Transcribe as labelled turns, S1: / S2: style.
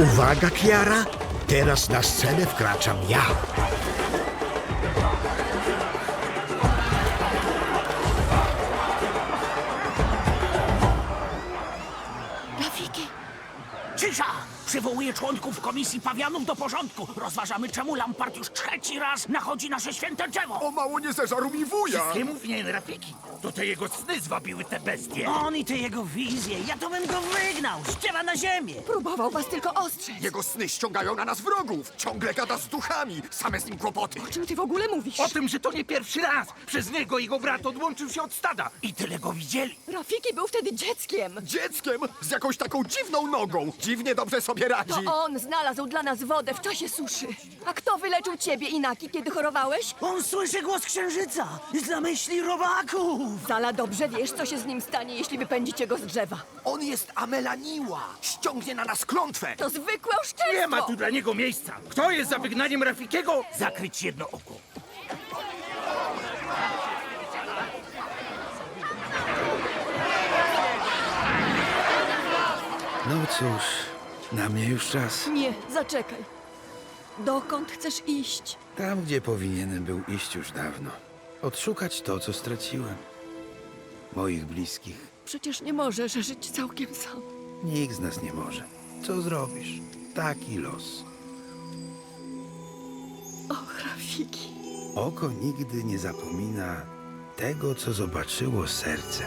S1: Uwaga, Kiara! Teraz na scenę wkraczam ja.
S2: Rafiki!
S3: Cisza! Przywołuję członków Komisji Pawianów do porządku. Rozważamy, czemu Lampart już trzeci raz nachodzi nasze święte drzewo.
S4: O mało nie zeżarł mi wuja!
S5: Nie mów nie, Rafiki. To te jego sny zwabiły te bestie.
S3: On i te jego wizje. Ja to bym go wygnał. Ściewa na ziemię.
S2: Próbował was tylko ostrzec.
S4: Jego sny ściągają na nas wrogów! Ciągle gada z duchami! Same z nim kłopoty!
S2: O czym ty w ogóle mówisz?
S5: O tym, że to nie pierwszy raz. Przez niego jego brat odłączył się od stada. I tyle go widzieli.
S2: Rafiki był wtedy dzieckiem.
S4: Dzieckiem z jakąś taką dziwną nogą! Dziwnie dobrze sobie radzi!
S2: To on znalazł dla nas wodę w czasie suszy. A kto wyleczył ciebie, Inaki, kiedy chorowałeś?
S3: On słyszy głos księżyca. Zna myśli robaków.
S2: Zala, dobrze wiesz, co się z nim stanie, jeśli wypędzicie go z drzewa.
S4: On jest Amelaniła! Ściągnie na nas klątwę!
S2: To zwykłe oszczerstwo!
S5: Nie ma tu dla niego miejsca. Kto jest za wygnaniem Rafikiego?
S3: Zakryć jedno oko.
S6: No cóż, na mnie już czas.
S2: Nie, zaczekaj. Dokąd chcesz iść?
S6: Tam, gdzie powinienem był iść już dawno. Odszukać to, co straciłem. Moich bliskich.
S2: Przecież nie możesz żyć całkiem sam.
S6: Nikt z nas nie może. Co zrobisz? Taki los.
S2: Och, Rafiki.
S6: Oko nigdy nie zapomina tego, co zobaczyło serce.